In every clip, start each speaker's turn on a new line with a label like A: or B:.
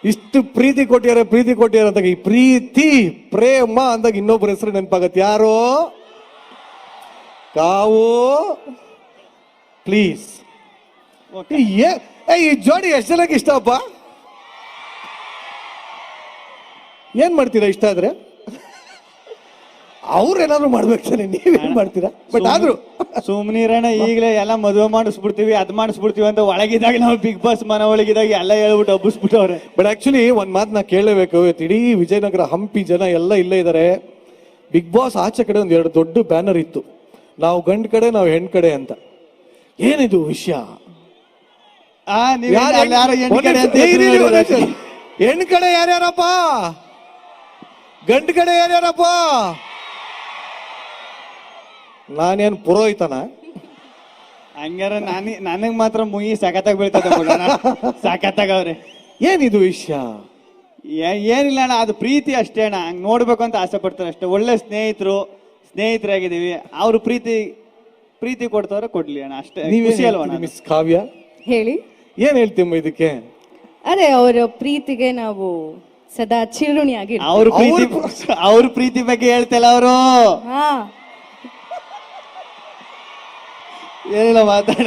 A: ಇಷ್ಟು ಪ್ರೀತಿ ಕೊಟ್ಟಿದ್ದಾರೆ ಅಂದಾಗ ಈ ಪ್ರೀತಿ ಪ್ರೇಮ ಅಂದಾಗ ಇನ್ನೊಬ್ಬರ ಹೆಸರು ನೆನಪಾಗತ್ತೆ. ಯಾರು? ಕಾವು. ಪ್ಲೀಸ್. ಈ ಜೋಡಿ ಎಷ್ಟು ಜನಕ್ಕೆ ಇಷ್ಟ ಅಪ್ಪ? ಏನ್ ಮಾಡ್ತೀರಾ ಇಷ್ಟ ಆದ್ರೆ? ಅವ್ರೇನಾದ್ರು ಮಾಡ್ಬೇಕು ತಾನೆ, ನೀವೇನ್ ಮಾಡ್ತೀರಾ? ಬಟ್ ಆದ್ರೂ
B: ಸುಮ್ನಿರಣ, ಈಗಲೇ ಎಲ್ಲ ಮದುವೆ ಮಾಡಿಸ್ಬಿಡ್ತೀವಿ ಅದ್ ಮಾಡಿಸ್ಬಿಡ್ತೀವಿ ಅಂತ ಒಳಗಿದಾಗ ನಾವು ಬಿಗ್ ಬಾಸ್ ಮನ ಒಳಗಿದಾಗ ಎಲ್ಲ ಹೇಳ್ಬಿಟ್ಟು ಹಬ್ಬಿಸ್ಬಿಟ್ಟವ್ರೆ.
A: ಬಟ್ ಆಕ್ಚುಲಿ ಒಂದ್ ಮಾತು ನಾ ಕೇಳಲೇಬೇಕು. ಇಡೀ ವಿಜಯನಗರ ಹಂಪಿ ಜನ ಎಲ್ಲ ಇಲ್ಲೇ ಇದ್ದಾರೆ. ಬಿಗ್ ಬಾಸ್ ಆಚೆ ಕಡೆ ಒಂದ್ 2 ದೊಡ್ಡ ಬ್ಯಾನರ್ ಇತ್ತು, ನಾವು ಗಂಡ್ ಕಡೆ ನಾವು ಹೆಣ್ ಕಡೆ ಅಂತ. ಏನಿದು ವಿಷಯ? ಹೆಣ್ ಕಡೆ ಯಾರ್ಯಾರಪ್ಪ? ಗಂಡ್ ಕಡೆ ಯಾರ್ಯಾರಪ್ಪ? ನಾನೇನ್ ಪುರೋಹಿತನ?
B: ಹಂಗಾರ ನನಗ್ ಮಾತ್ರ ಮುಗಿ ಸಖತ್ತಾಗ ಬೀಳ್ತದ, ಸಖತ್ತಾಗವ್ರೆ.
A: ಏನಿದು ವಿಷಯ?
B: ಏನಿಲ್ಲ ಅಣ್ಣ, ಅದು ಪ್ರೀತಿ ಅಷ್ಟೇ ಅಣ್ಣ. ಹಂಗ್ ನೋಡ್ಬೇಕು ಅಂತ ಆಸೆ ಪಡ್ತಾರೆ ಅಷ್ಟೇ. ಒಳ್ಳೆ ಸ್ನೇಹಿತರಾಗಿದ್ದೀವಿ. ಅವ್ರು ಪ್ರೀತಿ ಕೊಡ್ತವ್ರೆ, ಕೊಡ್ಲಿ ಅಣ್ಣ ಅಷ್ಟೇ. ಖುಷಿ ಅಲ್ವಾ?
A: ಮಿಸ್ ಕಾವ್ಯ
C: ಹೇಳಿ,
A: ಏನ್ ಹೇಳ್ತೀಮ್ಮ ಇದಕ್ಕೆ?
C: ಅದೇ ಅವರ ಪ್ರೀತಿಗೆ ನಾವು ಸದಾ ಚಿರುಣಿಯಾಗಿ.
B: ಅವ್ರ ಪ್ರೀತಿ ಬಗ್ಗೆ ಹೇಳ್ತಲ್ಲ ಅವರು.
C: ಹಾ,
B: ಏನಿಲ್ಲ ಮಾತಾಡ,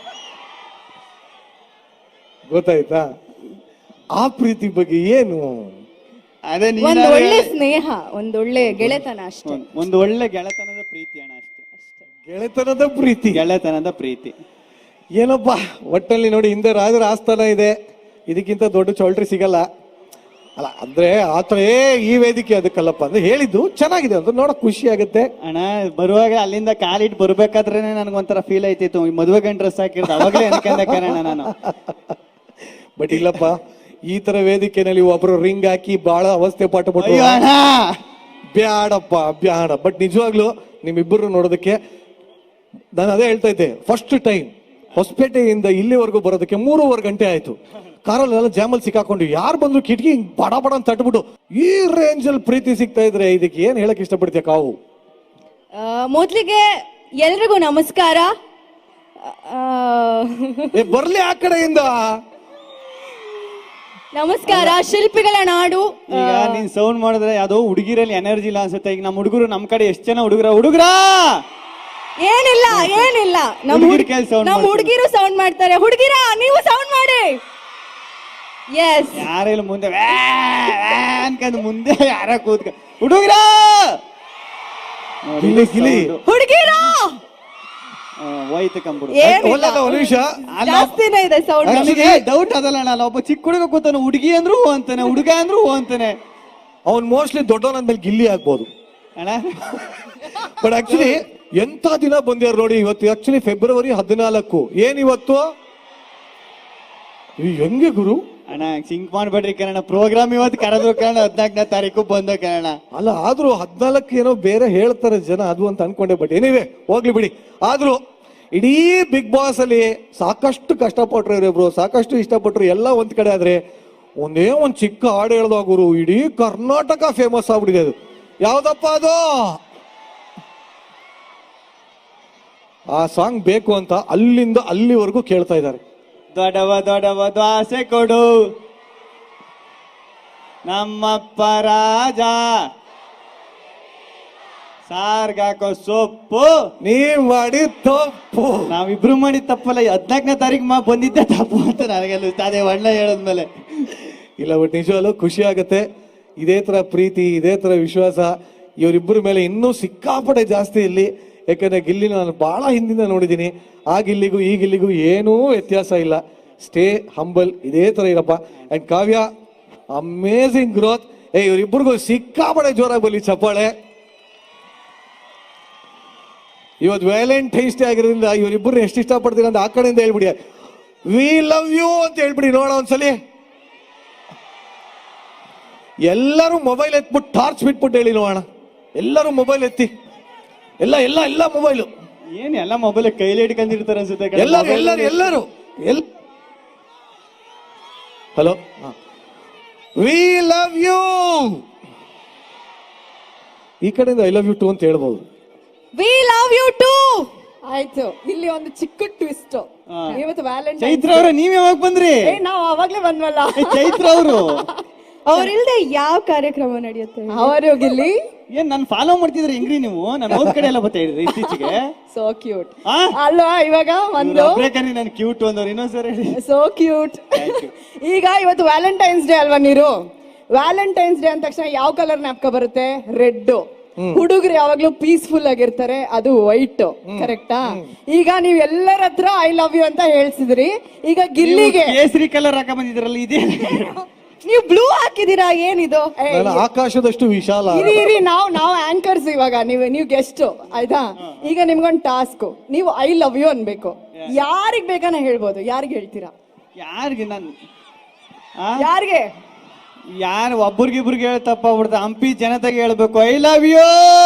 A: ಗೊತ್ತಾಯ್ತಾ? ಆ ಪ್ರೀತಿ ಬಗ್ಗೆ ಏನು?
B: ಅದೇ
C: ಒಂದು ಒಳ್ಳೆ ಸ್ನೇಹ, ಒಂದೊಳ್ಳೆ ಗೆಳೆತನ ಅಷ್ಟೇ.
B: ಒಂದು ಒಳ್ಳೆ ಗೆಳೆತನದ ಪ್ರೀತಿ ಅಣ್ಣ, ಅಷ್ಟೇ.
A: ಗೆಳೆತನದ ಪ್ರೀತಿ ಏನಪ್ಪಾ? ಒಟ್ಟಲ್ಲಿ ನೋಡಿ, ಹಿಂದೆ ರಾಜರ ಆಸ್ಥಾನ ಇದೆ, ಇದಕ್ಕಿಂತ ದೊಡ್ಡ ಚೌಲ್ಟ್ರಿ ಸಿಗಲ್ಲ ಅಲ್ಲ. ಅಂದ್ರೆ ಆತರ ಈ ವೇದಿಕೆ ಅದಕ್ಕಲ್ಲಪ್ಪ ಅಂದ್ರೆ ಹೇಳಿದ್ದು ಚೆನ್ನಾಗಿದೆ ಅಂತ ನೋಡಕ್ ಖುಷಿ ಆಗುತ್ತೆ
B: ಅಣ್ಣ. ಬರುವಾಗ ಅಲ್ಲಿಂದ ಕಾಲಿಟ್ಟು ಬರ್ಬೇಕಾದ್ರೆ ನನ್ಗೊಂಥರ ಫೀಲ್ ಆಯ್ತಿತ್ತು, ಈ ಮದುವೆ ಗಂಡ ಡ್ರೆಸ್ ಹಾಕಿರ್ದು ಅವಾಗಲೇ ಅನ್ಕೊಂಡೆ ಕಾರಣ ನಾನು.
A: ಬಟ್ ಇಲ್ಲಪ್ಪ, ಈ ತರ ವೇದಿಕೆನಲ್ಲಿ ಒಬ್ರು ರಿಂಗ್ ಹಾಕಿ ಬಹಳ ಅವಸ್ಥೆ ಪಟ್ಟುಬಿಟ್ಟು ಬ್ಯಾಡ. ಬಟ್ ನಿಜವಾಗ್ಲು ನಿಮ್ಮಿಬ್ಬರು ನೋಡೋದಕ್ಕೆ ನಾನು ಅದೇ ಹೇಳ್ತಾ ಇದ್ದೆ, ಫಸ್ಟ್ ಟೈಮ್ ಹೊಸಪೇಟೆಯಿಂದ ಇಲ್ಲಿವರೆಗೂ ಬರೋದಕ್ಕೆ 3.5 ಗಂಟೆ ಆಯ್ತು. ಕಾರಲ್ಲೆಲ್ಲ ಜಾಮಲ್ ಸಿಕ್ಕಾಕೊಂಡು ಯಾರು ಬಂದ್ರು ಕಿಟಕಿ ಬಡ ಅಂತ ತಟ್ಬಿಟ್ಟು ಈ ರೇಂಜ್ ಅಲ್ಲಿ ಪ್ರೀತಿ ಸಿಗ್ತಾ ಇದ್ರೆ ಇದಕ್ಕೆ ಏನ್ ಹೇಳಕ್ ಇಷ್ಟಪಡ್ತೀಯ ಕಾವು?
C: ಮೊದ್ಲಿಗೆ ಎಲ್ರಿಗೂ ನಮಸ್ಕಾರ.
A: ಬರ್ಲಿ ಆ ಕಡೆಯಿಂದ
C: ನಮಸ್ಕಾರ. ಶಿಲ್ಪಿಗಳ ನಾಡು.
B: ಈಗ ನೀನ್ ಸೌಂಡ್ ಮಾಡಿದ್ರೆ ಯಾವ್ದೋ ಹುಡುಗಿರಲ್ಲಿ ಎನರ್ಜಿ ಇಲ್ಲ ಅನ್ಸುತ್ತೆ. ಈಗ ನಮ್ಮ ಹುಡುಗರು ನಮ್ ಕಡೆ ಎಷ್ಟು ಜನ ಹುಡುಗರ
C: ಏನಿಲ್ಲ ನಮ್ಮ ಹುಡುಗಿರು ಸೌಂಡ್ ಮಾಡ್ತಾರೆ. ಹುಡುಗಿರ ನೀವು ಸೌಂಡ್ ಮಾಡಿ. ಎಸ್,
B: ಯಾರೆಲ್ಲ ಮುಂದೆ ಅನ್ಕಂದ್ ಮುಂದೆ ಯಾರ ಕೂತ್ಕ ಹುಡುಗರ
C: ಹುಡುಗಿರ
B: ಹೋಯ್ತು ಕಂಬಿಡು.
C: ಜಾಸ್ತಿನೇ ಇದೆ ಸೌಂಡ್.
B: ನನಗೆ ಡೌಟ್ ಅದಲ್ಲ ಅಣ್ಣ, ಒಬ್ಬ ಚಿಕ್ಕ ಹುಡುಗ ಕೂತಾನೆ, ಹುಡುಗಿ ಅಂದ್ರು ಹೂ ಅಂತಾನೆ, ಹುಡುಗ ಅಂದ್ರು ಹೂ ಅಂತಾನೆ.
A: ಅವ್ನ್ ಮೋಸ್ಟ್ಲಿ ದೊಡ್ಡವನಂದ್ಮೇಲೆ ಗಿಲ್ಲಿ ಆಗ್ಬೋದು
B: ಅಣ್ಣ.
A: ಬಟ್ ಆಕ್ಚುಲಿ ಎಂತ ದಿನ ಬಂದ್ಯಾರ ನೋಡಿ. ಇವತ್ತು ಆಕ್ಚುಲಿ ಫೆಬ್ರವರಿ 14. ಏನಿವತ್ತು? ಹೆಂಗೆ ಗುರು
B: ಅಣ್ಣ ಸಿಂಕ್ ಮಾಡ್ಬೇಡ್ರಿ ಕಣ. ಪ್ರೋಗ್ರಾಮ್ ಇವತ್ತು ಕರೆದ್ರು ಕಣ, 14ನೇ ತಾರೀಕು ಬಂದ ಕಣ.
A: ಅಲ್ಲ, ಆದ್ರೂ 14 ಏನೋ ಬೇರೆ ಹೇಳ್ತಾರೆ ಜನ, ಅದು ಅಂತ ಅನ್ಕೊಂಡೆ. ಬಟ್ ಏನಿವೆ ಹೋಗ್ಲಿ ಬಿಡಿ. ಆದ್ರೂ ಇಡೀ ಬಿಗ್ ಬಾಸ್ ಅಲ್ಲಿ ಸಾಕಷ್ಟು ಕಷ್ಟಪಟ್ರು ಇವರಿಬ್ರು, ಸಾಕಷ್ಟು ಇಷ್ಟಪಟ್ರು. ಎಲ್ಲ ಒಂದ್ ಕಡೆ ಆದ್ರೆ ಒಂದ್ ಚಿಕ್ಕ ಹಾಡು ಹೇಳ್ದಾಗ ಗುರು ಇಡೀ ಕರ್ನಾಟಕ ಫೇಮಸ್ ಆಗ್ಬಿಟ್ಟಿದೆ. ಅದು ಯಾವ್ದಪ್ಪ ಅದು? ಆ ಸಾಂಗ್ ಬೇಕು ಅಂತ ಅಲ್ಲಿಂದ ಅಲ್ಲಿವರೆಗೂ ಕೇಳ್ತಾ ಇದ್ದಾರೆ.
B: ದೊಡವ ದ್ವಾಸೆ ಕೊಡು ನಮ್ಮಪ್ಪ ರಾಜ, ಸಾರ್ಗಾಕೋ ಸೊಪ್ಪು,
A: ನೀವ್ ಮಾಡಿ ತಪ್ಪು.
B: ನಾವಿಬ್ರು ಮಾಡಿದ ತಪ್ಪಲ್ಲ, 14ನೇ ತಾರೀಕು ಬಂದಿದ್ದೆ ತಪ್ಪು ಅಂತ ನನಗೆಲ್ಲ ಅದೇ ಒಳ್ಳೆ ಹೇಳದ್ಮೇಲೆ.
A: ಇಲ್ಲ, ಬಟ್ ನಿಜವಲ್ಲೂ ಖುಷಿ ಆಗತ್ತೆ. ಇದೇ ತರ ಪ್ರೀತಿ, ಇದೇ ತರ ವಿಶ್ವಾಸ ಇವರಿಬ್ಬರ ಮೇಲೆ ಇನ್ನೂ ಸಿಕ್ಕಾಪಟ್ಟೆ ಜಾಸ್ತಿ ಇಲ್ಲಿ. ಯಾಕಂದ್ರೆ ಗಿಲ್ಲಿನ ನಾನು ಬಹಳ ಹಿಂದಿಂದ ನೋಡಿದ್ದೀನಿ. ಆ ಗಿಲ್ಲಿಗೂ ಈ ಗಿಲ್ಲಿಗೂ ಏನೂ ವ್ಯತ್ಯಾಸ ಇಲ್ಲ. ಸ್ಟೇ ಹಂಬಲ್, ಇದೇ ತರ ಇರಪ್ಪ. And Kavya, amazing growth. ಇವರಿಬ್ಬರಿಗೂ ಸಿಕ್ಕಾಪಟ್ಟೆ ಜೋರಾಗಿ ಬರಲಿ ಚಪ್ಪಾಳೆ. ಇವತ್ತು ವ್ಯಾಲೆಂಟೈನ್ಸ್ ಡೇ ಆಗಿರೋದ್ರಿಂದ ಇವರಿಬ್ಬರು ಎಷ್ಟು ಇಷ್ಟಪಡ್ತೀರ ಅಂತ ಆ ಕಡೆಯಿಂದ ಹೇಳ್ಬಿಡಿ. ವಿ ಲವ್ ಯು ಅಂತ ಹೇಳ್ಬಿಡಿ ನೋಡ ಒಂದ್ಸಲಿ. ಎಲ್ಲರೂ ಮೊಬೈಲ್ ಎತ್ಬಿಟ್ಟು ಟಾರ್ಚ್ ಬಿಟ್ಬಿಟ್ಟು ಹೇಳಿ ನೋಡೋಣ. ಎಲ್ಲರೂ ಮೊಬೈಲ್ ಎತ್ತಿ, ಎಲ್ಲ ಮೊಬೈಲು.
B: ಏನ್ ಎಲ್ಲ ಮೊಬೈಲ್ ಕೈಲಿ ಹಿಡ್ಕೊಂಡಿರ್ತಾರೆ ಅನ್ಸುತ್ತೆ
A: ಎಲ್ಲರೂ. Hello, we love you. ಈ ಕಡೆಯಿಂದ ಐ ಲವ್ ಯು ಟು ಅಂತ ಹೇಳ್ಬಹುದು.
C: We love you too. ಆಯ್ತು, ಇಲ್ಲಿ ಒಂದು ಚಿಕ್ಕ ಟ್ವಿಸ್ಟ್. ಇವತ್ತು ವ್ಯಾಲೆಂಟೈನ್ಸ್
B: ಚೈತ್ರ ಅವ್ರೆ ನೀವ್ ಯಾವಾಗ ಬಂದ್ರಿ?
C: ನಾವು ಅವಾಗ್ಲೇ ಬಂದ್ವಲ್ಲ.
B: ಚೈತ್ರ ಅವರು
C: ಅವ್ರಿಲ್ದೆ ಯಾವ ಕಾರ್ಯಕ್ರಮ ನಡೆಯುತ್ತೆ? ಅವರು ಗಿಲ್ಲಿ
B: ಏನ್ ನನ್ ಫಾಲೋ ಮಾಡ್ತಿದ್ರಿ ಹೆಂಗ್ರಿ ನೀವು? ನಾನು ಅವ್ರ ಕಡೆ ಎಲ್ಲ ಬರ್ತಾ ಇದ್ರಿ ಇತ್ತೀಚೆಗೆ.
C: ಸೋ ಕ್ಯೂಟ್ ಅಲ್ವಾ? ಇವಾಗ ಒಂದು
B: ನಾನು ಕ್ಯೂಟ್ ಅಂದವ್ರು ಇನ್ನೊಂದ್ಸರಿ ಹೇಳಿ.
C: So cute. ಈಗ ಇವತ್ತು ವ್ಯಾಲೆಂಟೈನ್ಸ್ ಡೇ ಅಲ್ವಾ ನೀರು? ವ್ಯಾಲೆಂಟೈನ್ಸ್ ಡೇ ಅಂದ ತಕ್ಷಣ ಯಾವ ಕಲರ್ ನ್ಯಾಪ್ಕ ಬರುತ್ತೆ? ರೆಡ್. ಹುಡುಗರು ಯಾವಾಗ್ಲೂ ಪೀಸ್ಫುಲ್ ಆಗಿರ್ತಾರೆ, ಅದು ವೈಟ್. ಕರೆಕ್ಟಾ? ಈಗ ನೀವ್ ಎಲ್ಲರ ಹತ್ರ ಐ ಲವ್ ಯು ಅಂತ ಹೇಳ್ಸಿದ್ರಿ. ಈಗ ಗಿಲ್ಲಿಗೆ
B: ಕೇಸರಿ ಕಲರ್ ಹಾಕ ಬಂದಿದ್ರಲ್ಲ, ಇದೇ
C: ನೀವು ಬ್ಲೂ ಹಾಕಿದೀರಾ? ಏನಿದು?
A: ನಾನು ಆಕಾಶದಷ್ಟು ವಿಶಾಲ.
C: ಇರಿ ನಾವು ಆಂಕರ್ಸ್, ಇವಾಗ ನೀವು ಗೆಸ್ಟ್ ಆಯ್ತಾ? ಈಗ ನಿಮ್ಗೊಂದು ಟಾಸ್ಕ್, ನೀವು ಐ ಲವ್ ಯು ಅನ್ಬೇಕು. ಯಾರಿಗ್ ಬೇಕಾನ ಹೇಳ್ಬೋದು. ಯಾರಿಗೆ ಹೇಳ್ತೀರಾ?
B: ಯಾರಿಗೆ? ನಾನು
C: ಯಾರಿಗೆ?
B: ಯಾರು ಒಬ್ರಿಗಿಬ್ರಿಗೆ ಹೇಳ ತಪ್ಪಾಗ್ಬಿಡ್ತ. ಹಂಪಿ ಜನತೆಗೆ ಹೇಳ್ಬೇಕು I love you.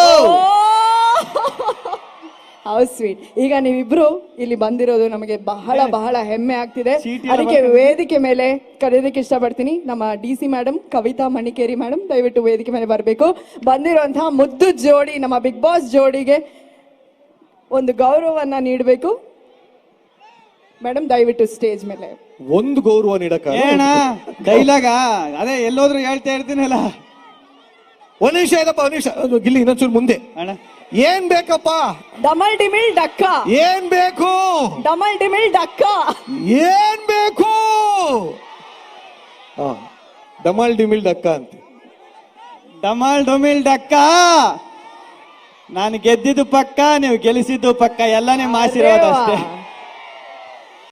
C: How sweet. ಈಗ ನೀವಿಬ್ರು ಇಲ್ಲಿ ಬಂದಿರೋದು ನಮಗೆ ಬಹಳ ಬಹಳ ಹೆಮ್ಮೆ ಆಗ್ತಿದೆ.
B: ಚೀಟಿ
C: ಅದಕ್ಕೆ ವೇದಿಕೆ ಮೇಲೆ ಕರೆಯೋದಕ್ಕೆ ಇಷ್ಟಪಡ್ತೀನಿ ನಮ್ಮ DC madam, Kavitha Manikeri madam, ದಯವಿಟ್ಟು ವೇದಿಕೆ ಮೇಲೆ ಬರಬೇಕು. ಬಂದಿರುವಂತಹ ಮುದ್ದು ಜೋಡಿ, ನಮ್ಮ ಬಿಗ್ ಬಾಸ್ ಜೋಡಿಗೆ ಒಂದು ಗೌರವವನ್ನ ನೀಡಬೇಕು. ಮೇಡಮ್ ದಯವಿಟ್ಟು ಸ್ಟೇಜ್ ಮೇಲೆ
A: ಒಂದು ಗೌರವ ನೀಡಕ
B: ಏನ ಡೈಲಾಗ ಅದೇ ಎಲ್ಲೋದ್ರು ಹೇಳ್ತಾ ಇರ್ತೀನಲ್ಲ.
A: ಒಂದ್ ನಿಮಿಷ ಇದಪ್ಪ, ಒಂದ್ ನಿಮಿಷ. ಗಿಲ್ಲಿ ಇನ್ನೊಂಚೂರು ಮುಂದೆ.
B: ಅಣ್ಣ
A: ಏನ್ ಬೇಕಪ್ಪ?
C: ಡಮಲ್ ಡಿಮಿಲ್ ಡಕ್ಕ.
A: ಏನ್ ಬೇಕು?
C: ಡಮಲ್ ಡಿಮಿಲ್ ಡಕ್ಕ.
A: ಏನ್ ಬೇಕು? ಡಮಲ್ ಡಿಮಿಲ್ ಡಕ್ಕ ಅಂತ.
B: ಡಮಾಲ್ ಡೊಮಿಲ್ ಡಕ್ಕ. ನಾನು ಗೆದ್ದಿದ್ದು ಪಕ್ಕ, ನೀವು ಗೆಲ್ಲಿಸಿದ್ದು ಪಕ್ಕ, ಎಲ್ಲನೇ ಮಾಸಿರೋದು ಅಷ್ಟೇ.